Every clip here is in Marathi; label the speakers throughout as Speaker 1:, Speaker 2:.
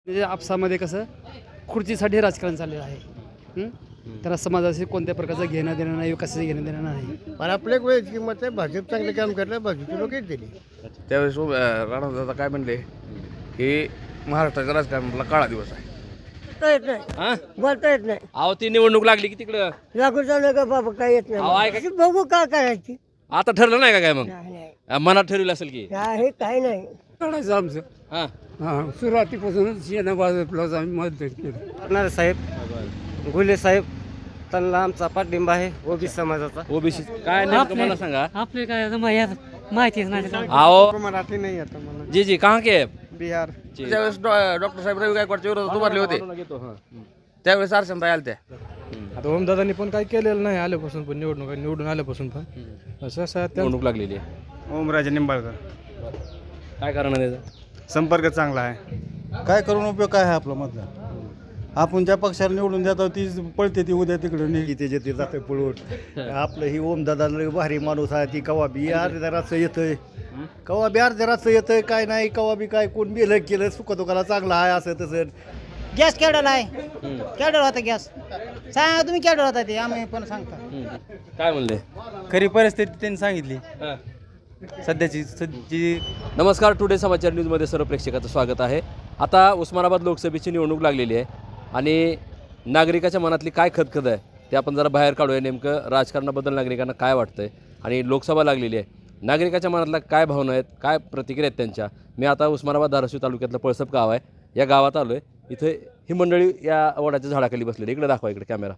Speaker 1: म्हणजे आपसामध्ये कसं खुर्चीसाठी राजकारण चाललेलं आहे. त्याला समाजाशी कोणत्या प्रकारचं घेणं देणं नाही, विकासाचं घेणं देणं नाही.
Speaker 2: पण आपलं एक वयाची किंमत आहे. भाजप चांगलं काम करलं, भाजपचे लोक येत दिली.
Speaker 3: त्यावेळेस राणा काय म्हणले की महाराष्ट्राच्या राजकारणातला काळा दिवस आहे.
Speaker 2: बोलता येत नाही,
Speaker 3: हा
Speaker 2: बोलता येत नाही.
Speaker 3: अहो ती निवडणूक लागली की तिकडं
Speaker 2: लागू चालू का बाबा, काय येत
Speaker 3: अहो, ऐका
Speaker 2: नाही. बघू का करायची.
Speaker 3: आता ठरलं नाही का काय मग
Speaker 2: नाही
Speaker 3: मनात ठरवलं असेल की
Speaker 2: हे काय नाही.
Speaker 1: काढायचं आमचं
Speaker 3: हा
Speaker 1: सुरुवातीपासूनच भाजपलाच आम्ही मदत केलं.
Speaker 4: करणारे साहेब गुले साहेब त्यांना आमचा पाठिंबा आहे ओबीसी समाजाचा.
Speaker 3: ओबीसी काय नेमकं मला सांगा.
Speaker 5: आपले काय माहितीच नाही.
Speaker 3: आओ
Speaker 2: मराठी नाही आता मला.
Speaker 3: जी जी कहाँ के
Speaker 2: बिहार
Speaker 3: त्यावेळेस डॉक्टर साहेब रवी गायकवाडच्या विरोधात उभारले होते त्यावेळेस अर्चनताई आल्या त्या
Speaker 6: आता ओमदादांनी पण काही केलेलं नाही आल्यापासून पण निवडून आल्यापासून पण असं
Speaker 3: निवडणूक लागलेली आहे.
Speaker 4: ओमराजे निंबाळकर
Speaker 3: काय कारण आहे त्याचं?
Speaker 4: संपर्क चांगला आहे.
Speaker 7: काय करून उपयोग काय आहे आपला मतदान. आपण ज्या पक्षाला निवडून देतो ती पळते ती उद्या तिकडे नाही.
Speaker 8: ते जे जाते पळून आपलं ही ओमदादा लय भारी माणूस आहे. ती कवा बी अर्ध्याराचं येतंय, कवा बी अर्ध्याराचं येतंय, काय नाही कवा बी काय कोण बिलं केलं सुखदुखाला चांगला आहे असं तसं.
Speaker 9: गॅस केवढा आहे, केवढा होता गॅस सांगा तुम्ही, केवढा होता ते आम्ही पण सांगता.
Speaker 3: काय म्हणले
Speaker 4: खरी परिस्थिती त्यांनी सांगितली सध्याची.
Speaker 3: नमस्कार, टुडे समाचार न्यूजमध्ये सर्व प्रेक्षकाचं स्वागत आहे. आता उस्मानाबाद लोकसभेची निवडणूक लागलेली आहे आणि नागरिकाच्या मनातली काय खदखद आहे ते आपण जरा बाहेर काढूया. नेमकं राजकारणाबद्दल नागरिकांना काय वाटतंय आणि लोकसभा लागलेली आहे, नागरिकाच्या मनातल्या काय भावना आहेत, काय प्रतिक्रिया आहेत त्यांच्या. मी आता उस्मानाबाद धाराशिव तालुक्यातलं पळसप गाव आहे, या गावात आलो आहे. इथे ही मंडळी या वडाच्या झाडाखाली बसलेली. इकडे दाखवा, इकडे कॅमेरा.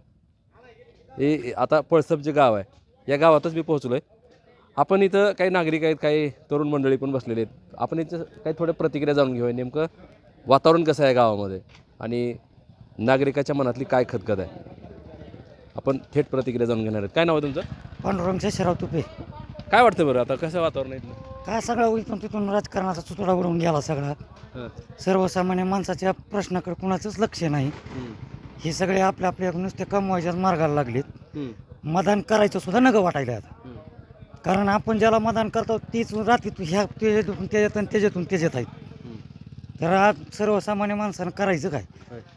Speaker 3: हे आता पळसप जे गाव आहे या गावातच मी पोहोचलो आहे. आपण इथं काही नागरिक आहेत, काही तरुण मंडळी पण बसलेले आहेत. आपण इथं काही थोड्या प्रतिक्रिया जाणून घेऊया. नेमकं वातावरण कसं आहे गावामध्ये आणि नागरिकाच्या मनातली काय खदखद आहे. आपण थेट प्रतिक्रिया जाणून घेणार आहेत. काय नाव आहे तुमचं?
Speaker 5: पांडुरंग शेषराव तुपे.
Speaker 3: काय वाटतं बरं आता कसं वातावरण आहे इथलं?
Speaker 5: काय सगळा इथून तिथून राजकारणाचा चुतडा उडून गेला सगळा.
Speaker 3: हां.
Speaker 5: सर्वसामान्य माणसाच्या प्रश्नाकडे कुणाचंच लक्ष नाही. हे सगळे आपल्या आपल्या नुसते कमवायच्याच मार्गाला लागलेत. मतदान करायचं सुद्धा नगं वाटायला आता. कारण आपण ज्याला मतदान करतो तीच रात्रीतून ह्या त्याच्यातून त्याच्यात आणि त्याच्यातून त्याच्यात आहेत. तर आज सर्वसामान्य माणसानं करायचं काय.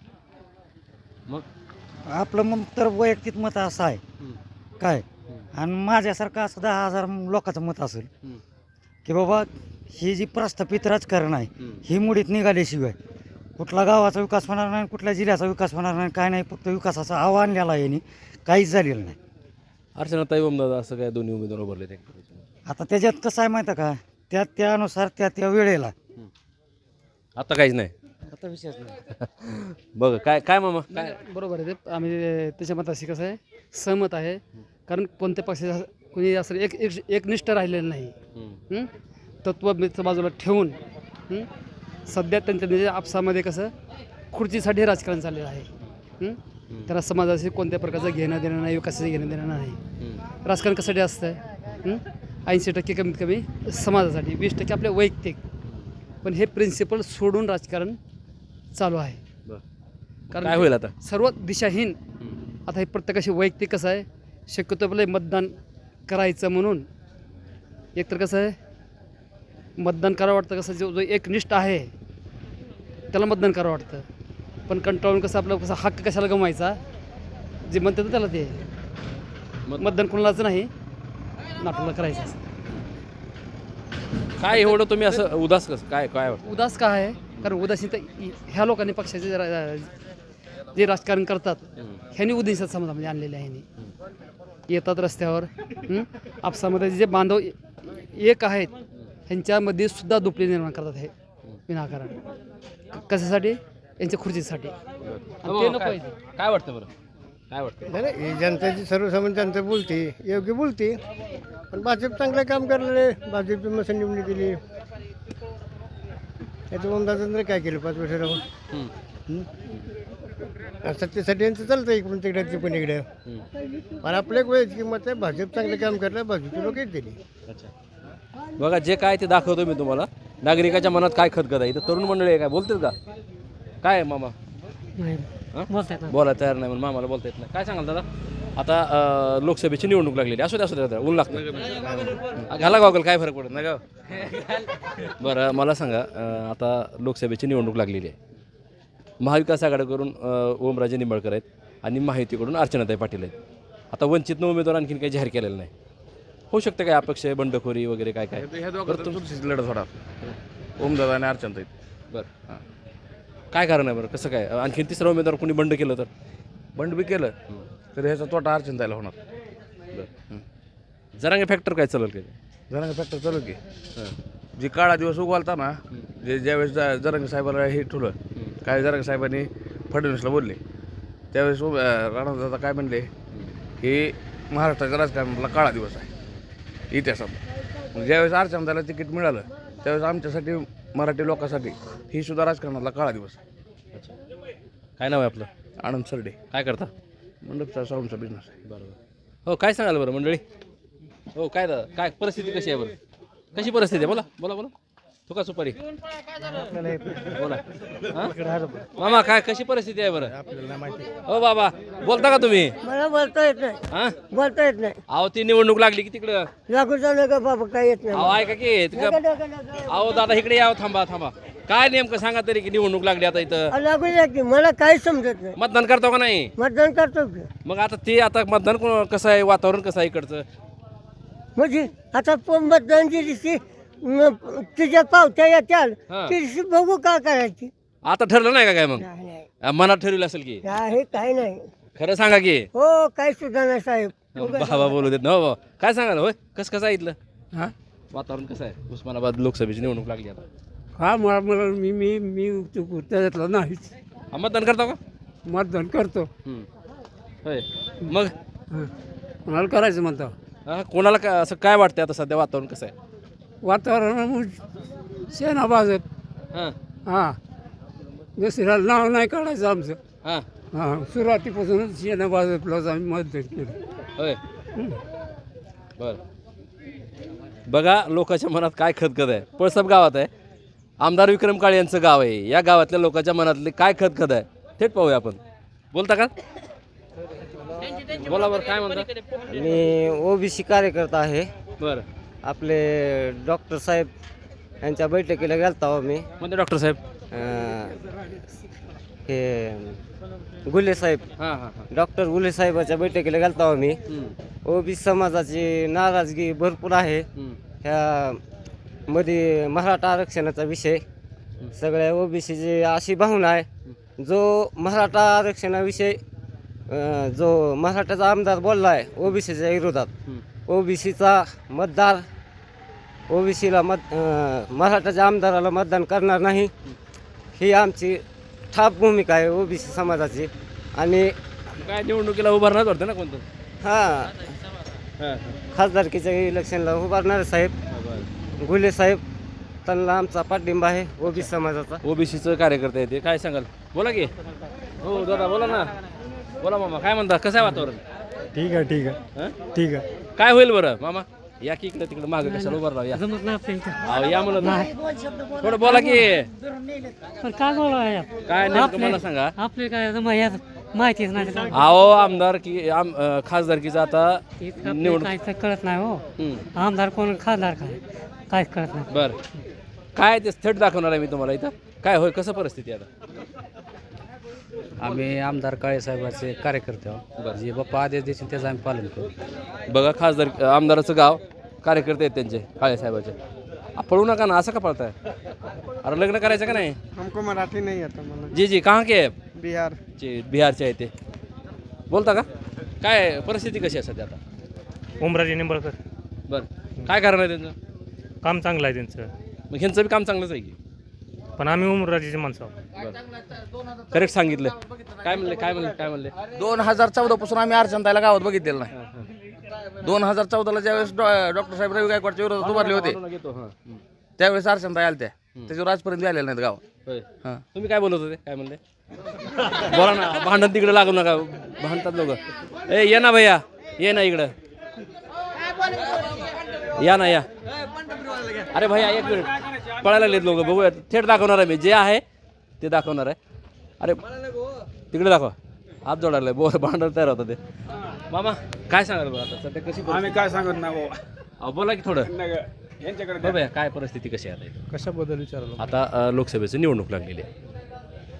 Speaker 3: मग
Speaker 5: आपलं मग तर वैयक्तिक मत असं आहे काय, आणि माझ्यासारखं असं 10,000 लोकांचं मत असेल की बाबा ही जी प्रस्थापित राजकारण आहे ही मुडीत निघाल्याशिवाय कुठला गावाचा विकास होणार नाही, कुठल्या जिल्ह्याचा विकास होणार नाही, काय नाही. फक्त विकासाचं आव्हान लिहिला यांनी, काहीच झालेलं नाही.
Speaker 3: अर्चनाताई ओमदादा असं काय दोन्ही उमेदवार उभारले ते.
Speaker 5: आता त्याच्यात कसं आहे माहिती आहे का, त्यानुसार त्या वेळेला
Speaker 3: आता काहीच नाही.
Speaker 5: आता विषयच नाही.
Speaker 3: बघ काय काय मामा काय
Speaker 1: बरोबर आहे ते. आम्ही त्याच्या मताशी कसं आहे सहमत आहे. कारण कोणत्या पक्षाचा कोणी असं एकनिष्ठ राहिलेलं नाही. तत्व बाजूला ठेवून सध्या त्यांच्या आपसामध्ये कसं खुर्चीसाठी राजकारण चाललेलं आहे. त्याला समाजाशी कोणत्या प्रकारचं घेणं देणं नाही, विकासाचं घेणं देणं नाही. राजकारण कशासाठी असतं? 80% कमीत कमी समाजासाठी, 20% आपल्या वैयक्तिक. पण हे प्रिन्सिपल सोडून राजकारण चालू आहे.
Speaker 3: कारण काय होईल आता
Speaker 1: सर्व दिशाहीन. आता हे प्रत्येकाशी वैयक्तिक कसं आहे, शक्यतो आपलं मतदान करायचं म्हणून एकतर कसं आहे मतदान करावं वाटतं. कसं जो एकनिष्ठ आहे त्याला मतदान करावं वाटतं. पण कंटाळून कसं आपलं कसं हक्क कशाला गमवायचा, जे म्हणतात ना त्याला ते मतदान कोणालाच नाही, नाटुला करायचं असं.
Speaker 3: काय एवढं तुम्ही असं उदास कसं काय काय वाटतं?
Speaker 1: उदास का आहे? कारण उदासीन तर ह्या लोकांनी पक्षाचे जे राजकारण करतात ह्यांनी उद्देशात समाजामध्ये आणलेले आहे. येतात रस्त्यावर आपसामध्ये जे बांधव एक आहेत ह्यांच्यामध्ये सुद्धा दुपली निर्माण करतात हे विनाकारण. कशासाठी? यांच्या खुर्चीसाठी. ते नको आहे.
Speaker 3: काय वाटतं बरं काय वाटतं?
Speaker 2: नाही जनतेची सर्वसामान्य जनता बोलते, योग्य बोलते. पण भाजप चांगलं काम करलेले, भाजपची मसन निवडून दिली. याचं ओमदादांनी काय केलं 5 वर्ष राहून? सत्तेसाठी यांचं चालतं इकडून तिकडे पण इकडे. पण आपलं एक वयाची किंमत आहे. भाजप चांगलं काम करलं, भाजपचे लोक येत दिली.
Speaker 3: बघा जे काय ते दाखवतो मी तुम्हाला. नागरिकाच्या मनात काय खदखद आहे. इथं तरुण मंडळी आहे, काय बोलतात का? काय आहे मामा? बोलायला तयार नाही म्हणून मामाला बोलता येत नाही. काय सांगाल दादा? आता लोकसभेची निवडणूक लागलेली. असू द्या ऊन लागतं. घाला गॉगल, काय फरक पडत नाही का? बरं मला सांगा, आता लोकसभेची निवडणूक लागलेली आहे. महाविकास आघाडीकडून ओमराजे निंबाळकर आहेत आणि महायुतीकडून अर्चनाताई पाटील आहेत. आता वंचितनं उमेदवार आणखीन काही जाहीर केलेलं नाही. होऊ शकतं काय अपक्ष बंडखोरी वगैरे काय काय
Speaker 10: ह्या दोघांचं चुरशीची लढत होणार ओमदादा आणि अर्चनाताई.
Speaker 3: बरं काय कारण आहे बरं कसं काय आणखीन तिसरा उमेदवार कोणी बंड केलं तर
Speaker 10: बंड बी केलं तर ह्याचा तोटा अर्चनाताईला होणार.
Speaker 3: जरांगे फॅक्टर काय चालेल काय
Speaker 10: जरांगे फॅक्टर चालू की जे काळा दिवस उगवलता ना ज्यावेळेस जरांगे साहेबाला हे ठुलं काय जरांगे साहेबांनी फडणवीसला बोलले त्यावेळेस राणादादा काय म्हणले की महाराष्ट्राच्या राजकारणातला काळा दिवस आहे इतिहासात. मग ज्यावेळेस अर्चनाताईला तिकीट मिळालं त्यावेळेस आमच्यासाठी मराठी लोकांसाठी ही सुद्धा राजकारणातला काळा दिवस आहे.
Speaker 3: काय नाव आहे आपलं
Speaker 10: आनंद सरडे
Speaker 3: काय करता
Speaker 10: मंडपचा साऊंडचा बिझनेस आहे.
Speaker 3: बरोबर हो काय सांगाल बरं मंडळी हो काय दादा काय परिस्थिती कशी आहे बरं कशी परिस्थिती आहे बोला बोला बोला तू का सुपारी बोला हां? मामा काय कशी परिस्थिती आहे बरं हो बाबा बोलता का तुम्ही
Speaker 9: मला बोलता येत नाही
Speaker 3: हां
Speaker 9: बोलता येत नाही
Speaker 3: अहो ती निवडणूक लागली की तिकडं
Speaker 9: लागू चालू का बाबा काय येत
Speaker 3: अहो ऐका की अहो दादा इकडे यावं थांबा थांबा काय नेमकं सांगा तरी की निवडणूक लागली आता इथं
Speaker 9: लागू द्या की मला काही समजत नाही
Speaker 3: मतदान करतो का नाही
Speaker 9: मतदान करतो की
Speaker 3: मग आता ते आता मतदान कसं आहे वातावरण कसं आहे इकडचं
Speaker 9: म्हणजे आता मतदानची दिवशी तुझ्या पावत्या येत्याल
Speaker 3: हा.
Speaker 9: ती दिवशी बघू का करायची
Speaker 3: आता ठरलं नाही का काय मग
Speaker 9: नाही नाही
Speaker 3: मनात ठरवलं असेल की
Speaker 9: आहे काही नाही
Speaker 3: खरं सांगा की
Speaker 9: हो काही सुद्धा नाही साहेब
Speaker 3: बाबा बोलू देत ना हो काय सांगाल होय कसं आहे इथलं
Speaker 1: हां
Speaker 3: वातावरण कसं आहे उस्मानाबाद लोकसभेची निवडणूक लागली आता
Speaker 1: हा मला मी मी मी त्याच्यातलं नाहीच
Speaker 3: मतदान करता का
Speaker 1: मतदान करतो
Speaker 3: होय मग
Speaker 1: कोणाला करायचं म्हणतो
Speaker 3: कोणाला काय असं काय वाटतंय आता सध्या वातावरण कसं आहे
Speaker 1: वातावरण सेना भाजप
Speaker 3: हां
Speaker 1: हां दुसऱ्याला नाव नाही काढायचं आमचं
Speaker 3: हां
Speaker 1: हां सुरुवातीपासूनच सेना भाजपलाच आम्ही मतदान केलं
Speaker 3: होय बर बघा लोकांच्या मनात काय खदखद आहे पळसप गावात आहे आमदार विक्रम काळे यांचं गाव आहे या गावातल्या लोकांच्या मनातले काय खदखद आहे थेट पाहूया आपण बोलता का बोला बरं काय म्हणता
Speaker 4: मी ओबीसी कार्यकर्ता आहे.
Speaker 3: बरं
Speaker 4: आपले डॉक्टर साहेब यांच्या बैठकीला गेलता हो मी.
Speaker 3: म्हणते डॉक्टर साहेब
Speaker 4: हे गुले साहेब
Speaker 3: हां हां हां
Speaker 4: डॉक्टर गुले साहेबाच्या बैठकीला गेलता हो मी. ओबीसी समाजाची नाराजगी भरपूर आहे. ह्या मध्ये मराठा आरक्षणाचा विषय सगळ्या ओबीसीची अशी भावना आहे जो मराठा आरक्षणाविषयी जो मराठाचा आमदार बोलला आहे ओबीसीच्या विरोधात ओबीसीचा मतदार ओबीसीला मराठाच्या आमदाराला मतदान करणार नाही ही आमची ठाप भूमिका आहे ओबीसी समाजाची. आणि
Speaker 3: काय निवडणुकीला उभारणार वाटतं ना कोणतं
Speaker 4: हां खासदारकीच्या इलेक्शनला उभारणारे साहेब गुले साहेब त्यांना आमचा पाठिंबा आहे ओबीसी समाजाचा.
Speaker 3: ओबीसीचं कार्यकर्ता आहे ते काय सांगाल बोला की हो दादा बोला ना बोला मामा काय म्हणता कसं आहे वातावरण
Speaker 7: ठीक आहे ठीक आहे
Speaker 3: हं?
Speaker 7: ठीक आहे.
Speaker 3: काय होईल बरं मामा या की इकडे तिकडे मागं कशाला उभारला या अहो, या म्हणत थोडं बोला की
Speaker 1: काय बोला
Speaker 3: काय नेमकं मला सांगा
Speaker 1: आपले काय माहितीच नाही
Speaker 3: अहो आमदार की खासदारकीचं आता निवडणूक
Speaker 1: काय कळत नाही हो
Speaker 3: हं.
Speaker 1: आमदार कोण खासदार काय काहीच कळत नाही.
Speaker 3: बरं काय ते थेट दाखवणार आहे मी तुम्हाला इथं काय होय कसं परिस्थिती आहे आता
Speaker 11: आम्ही आमदार काळे साहेबाचे कार्यकर्ते आहोत. जे बाप्पा आदेश देतील त्याचं आम्ही पालन करू.
Speaker 3: बघा खासदार आमदाराचं गाव कार्यकर्ते आहेत त्यांचे काळे साहेबाचे पळू नका ना असं का पळताय अरे लग्न करायचं का नाही
Speaker 6: हमको मराठी नाही आता मला
Speaker 3: जी जी कहाँ के
Speaker 6: बिहार
Speaker 3: बिहारचे आहे ते बोलता का काय परिस्थिती कशी आहे सध्या आता
Speaker 12: ओमराजे निंबाळकर
Speaker 3: बरं काय कारण आहे त्यांचं
Speaker 12: काम चांगलं आहे त्यांचं.
Speaker 3: मग ह्यांचं बी काम चांगलंच आहे की
Speaker 12: पण आम्ही ओमराजेचे माणसं आहोत.
Speaker 3: करेक्ट सांगितलं काय म्हणले
Speaker 10: 2014 पासून आम्ही अर्चनाताईला गावात बघितलेलं नाही. 2014ला ज्यावेळेस डॉक्टर साहेब रवी गायकवाडच्या विरोधात उभारले होते त्यावेळेस अर्चनाताई आल्या त्याच्यावर आजपर्यंत आलेल्या नाहीत गावात. हां
Speaker 3: तुम्ही काय बोलत होते काय म्हणले बोला ना भांडण तिकडे लागू नका भांडतात लोक ए ये ना भैया ये ना इकडं या ना या अरे भैया एक मिनिट पळायला लागलेत लोक बघूया थेट दाखवणार आहे मी जे आहे ते दाखवणार आहे अरे तिकडे दाखवा हात जोडायला बोल भांडण तयार होतं ते मामा काय सांगाल बरं आता सध्या कशी
Speaker 6: आम्ही काय सांगत नाही
Speaker 3: अहो बोला की थोडं
Speaker 6: यांच्याकडे
Speaker 3: भैया काय परिस्थिती कशी आहे आता इथं?
Speaker 6: कशाबद्दल विचारलं
Speaker 3: आता लोकसभेची निवडणूक लागलेली आहे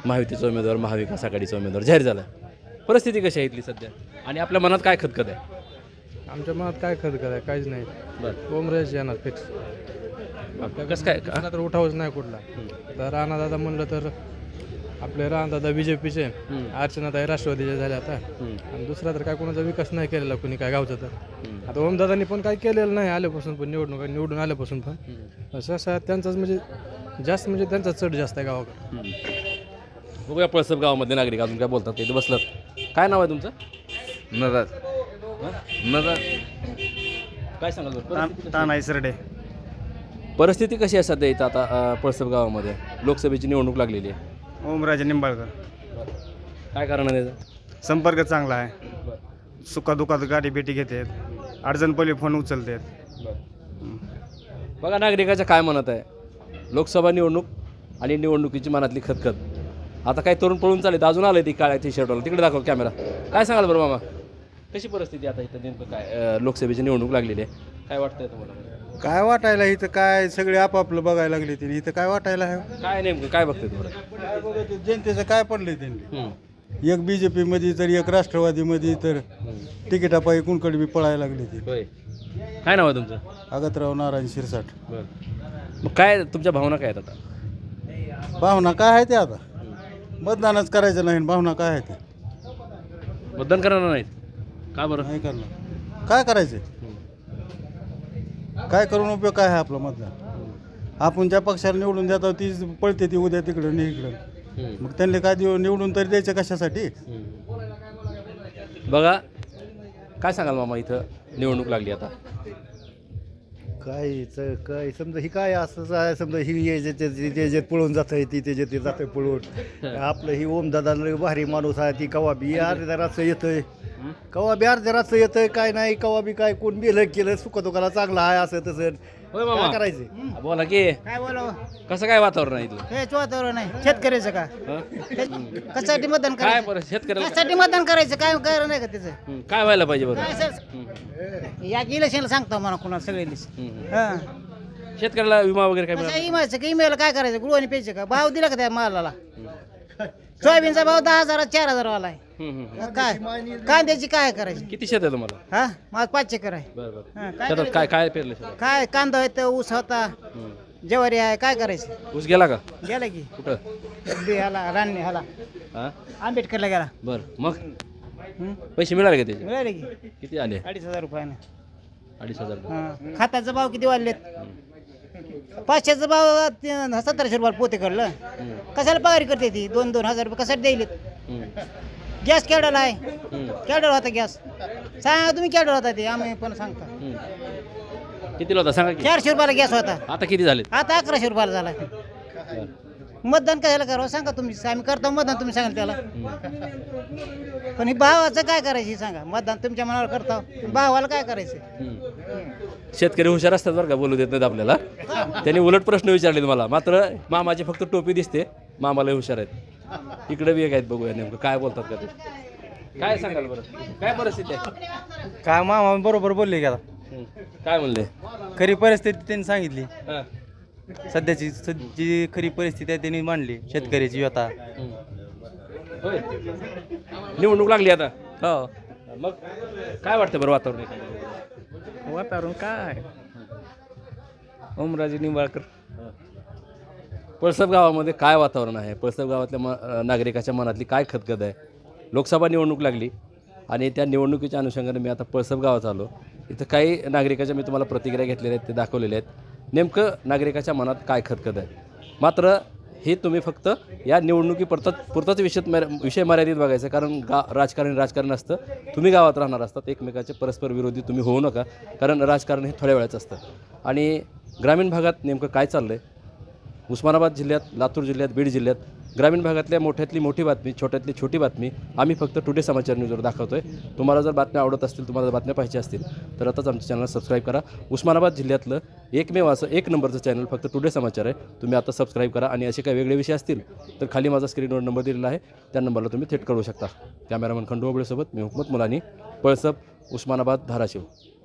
Speaker 3: महायुतीचा उमेदवार महाविकास आघाडीचा उमेदवार जाहीर झाला आहे. परिस्थिती कशी आहे इथली सध्या आणि आपल्या मनात काय खतखत आहे?
Speaker 6: आमच्या मनात काय खत आहे काहीच नाही.
Speaker 3: बरं
Speaker 6: ओमराजे येणार फिक्स.
Speaker 3: कसं काय
Speaker 6: दुसरा तर उठावच नाही कुठला. तर राणादादा म्हणलं तर आपले राणादादा BJPचे, अर्चनाताई राष्ट्रवादीचे झाले आता. आणि दुसरा तर काय कोणाचा विकास नाही केलेला कुणी काय गावचा. तर आता ओमदादांनी पण काही केलेलं नाही आल्यापासून पण निवडून आल्यापासून पण असं त्यांचाच म्हणजे जास्त म्हणजे त्यांचा चढ जास्त आहे गावाकडे.
Speaker 3: बघूया पळसप गावामध्ये नागरिक अजून काय बोलतात ते बसलात. काय नाव आहे तुमचं?
Speaker 10: नराज नराज
Speaker 3: काय सांगाल बरं?
Speaker 7: तानाई सरडे.
Speaker 3: परिस्थिती कशी आहे सध्या इथं आता पळसप गावामध्ये? लोकसभेची निवडणूक लागलेली आहे.
Speaker 7: ओमराजे निंबाळकर.
Speaker 3: काय कारण आहे त्याचं?
Speaker 7: संपर्क चांगला आहे. सुखादुखात गाडी भेटी घेतात. अडचण पहिले फोन उचलतात.
Speaker 3: बघा नागरिकाच्या काय म्हणत आहे. लोकसभा निवडणूक आणि निवडणुकीची मनातली खतखत. आता काही तरुण पळून चालेल अजून आलं ती काळ्या टी शर्टवाला. तिकडे दाखव कॅमेरा. काय सांगाल बरं मामा, कशी परिस्थिती आता इथं नेमकं काय? लोकसभेची निवडणूक लागलेली आहे, काय वाटतंय तुम्हाला?
Speaker 7: काय वाटायला इथं काय सगळे आपापलं बघायला लागले तिने. इथं काय वाटायला आहे?
Speaker 3: काय नेमकं काय बघतंय तुम्हाला?
Speaker 7: काय बघत जनतेचं काय पडलंय त्यांनी. एक BJP मध्ये तर एक राष्ट्रवादीमध्ये तर तिकिटापायी कुणकडे बी पळायला लागले ते.
Speaker 3: होय. काय नाव आहे तुमचं?
Speaker 7: अगतराव नारायण शिरसाट.
Speaker 3: बरं. मग काय तुमच्या भावना काय आहेत आता?
Speaker 7: भावना काय आहे ते आता मतदानच करायचं नाही. भावना काय आहे ते
Speaker 3: मतदान करणार नाहीत का बरं?
Speaker 7: नाही करणार. काय करायचं? काय करून उपयोग काय आहे आपलं मतदान? आपण ज्या पक्षाला निवडून देतो तीच पळते ती उद्या तिकडं नाही इकडं. मग त्यांनी काय निवडून तरी द्यायचं कशासाठी?
Speaker 3: बघा काय सांगाल मामा, इथं निवडणूक लागली आता.
Speaker 8: काय समजा ही काय असंच आहे. समजा ही त्याच्यात पळून जात आहे ती त्याच्यात ते जातं पळून. आपलं ही ओमदादा लय भारी माणूस आहे. ती कवा बी अर्ध्या रातचं येतंय, कवा बी अर्ध्या रातचं येतंय. काय नाही कवा बी काय कोण बिलं केलं सुखदुखाला चांगलं आहे असं तसं.
Speaker 3: होय
Speaker 8: काय
Speaker 3: मामा,
Speaker 8: करायचं?
Speaker 3: बोला की
Speaker 9: काय बोलावं
Speaker 3: कसं काय वातावरण आहे इथलं?
Speaker 9: हेच वातावरण आहे शेतकऱ्याचं का? कशासाठी मतदान
Speaker 3: काय
Speaker 9: करायचं?
Speaker 3: बरं शेतकऱ्याला
Speaker 9: कशासाठी मतदान करायचं? काय कारण आहे का त्याचं?
Speaker 3: काय व्हायला पाहिजे बरं?
Speaker 9: काय सर या इलेक्शनला सांगतो मला कुणाला सगळ्यांनीच. हां
Speaker 3: शेतकऱ्याला विमा वगैरे काय
Speaker 9: कशा
Speaker 3: मिळाला?
Speaker 9: इमायचं का इमेल काय करायचं? गुळवानी प्यायचं का? भाव दिला का त्या मालाला? सोयाबीनचा भाव 10,000 4,000 वाला आहे. काय कांद्याची काय करायची?
Speaker 3: किती शेत आहे तुम्हाला?
Speaker 9: हा माझं 5 एकर आहे.
Speaker 3: बरं बरं.
Speaker 9: हां, काय
Speaker 3: शेतात काय काय पेरलं शेतात?
Speaker 9: काय कांदा आहे, ऊस होता, ज्वारी आहे. काय करायचं?
Speaker 3: ऊस गेला का?
Speaker 9: गेला की
Speaker 3: कुठं?
Speaker 9: ह्याला रान्नी ह्याला
Speaker 3: हां
Speaker 9: आंबेडकरला गेला.
Speaker 3: बरं. मग पैसे मिळाले का त्याचे?
Speaker 9: मिळाले की
Speaker 3: किती आले?
Speaker 9: 2,500 रुपयानं.
Speaker 3: 2,500 रुपये.
Speaker 9: हां खताचा भाव किती वाढलेत? 500चा भाव 1,700 रुपयाला पोते काढलं. कशाला पगारी करते ती 2-2 हजार रुपये कशाला द्यायलेत? गॅस केवढ्याला आहे? केवढ्याला होता गॅस? सांगा तुम्ही केवढ्याला होता ते आम्ही पण सांगता.
Speaker 3: कितीला होता सांगा की?
Speaker 9: 400 रुपयाला गॅस होता.
Speaker 3: आता किती झाले?
Speaker 9: आता 1100 रुपयाला झाला. मतदान कशाला करावं सांगा तुम्ही? आम्ही करतो मतदान, तुम्ही सांगाल त्याला. पण ही भावाचं काय करायचं हे सांगा. मतदान तुमच्या मनावर करता, भावाला काय करायचं?
Speaker 3: शेतकरी हुशार असतात बरं का, बोलू देत नाहीत आपल्याला. त्यांनी उलट प्रश्न विचारले मला. मात्र मामाची फक्त टोपी दिसते, मामाला हुशार आहेत. इकडे बी एक आहेत, बघूया नेमकं काय बोलतात का ते. काय सांगाल बरं, काय परिस्थिती आहे?
Speaker 5: काय मामा बरोबर बोलले की आता
Speaker 3: काय म्हणले?
Speaker 5: खरी परिस्थिती त्यांनी सांगितली.
Speaker 3: हां.
Speaker 5: सध्याची जी खरी परिस्थिती आहे त्यांनी मांडली. शेतकऱ्याची व्यथा.
Speaker 3: होय. निवडणूक लागली आता.
Speaker 5: हो
Speaker 3: मग काय वाटतं बरं वातावरण?
Speaker 5: वातावरण काय ओमराजे निंबाळकर.
Speaker 3: पळसप गावामध्ये काय वातावरण आहे? पळसप गावातल्या नागरिकाच्या मनातली काय खतखत आहे? लोकसभा निवडणूक लागली आणि त्या निवडणुकीच्या अनुषंगाने मी आता पळसप गावात आलो. इथं काही नागरिकाच्या मी तुम्हाला प्रतिक्रिया घेतलेल्या आहेत, ते दाखवलेले आहेत. नेमकं नागरिकाच्या मनात काय खतखत आहे. मात्र हे तुम्ही फक्त या पुरताच विषय मर्यादित बघायचं. कारण राजकारण असतं. तुम्ही गावात राहणार असतात, एकमेकाचे परस्पर विरोधी तुम्ही होऊ नका. कारण राजकारण हे थोड्या वेळाचं असतं. आणि ग्रामीण भागात नेमकं काय चाललं आहे? उस्मानाबाद जिल्ह्यात, लातूर जिल्ह्यात, बीड जिल्ह्यात ग्रामीण भागातल्या मोठ्यातली मोठी बातमी, छोट्यातली छोटी बातमी आम्ही फक्त टुडे समाचार न्यूजवर दाखवतोय. तुम्हाला जर बातम्या आवडत असतील, तुम्हाला जर बातम्या पाहिजे असतील तर आताच आमच्या चॅनलला सबस्क्राईब करा. उस्मानाबाद जिल्ह्यातलं एकमेव असं 1 नंबरचं चॅनल फक्त टुडे समाचार आहे. तुम्ही आता सबस्क्राईब करा. आणि असे काही वेगळे विषय असतील तर खाली माझा स्क्रीनवर नंबर दिलेला आहे, त्या नंबरला तुम्ही थेट कळवू शकता. कॅमेरामन खंडू ओबळेसोबत मी हुकमत मुलानी, पळसप, उस्मानाबाद, धाराशिव.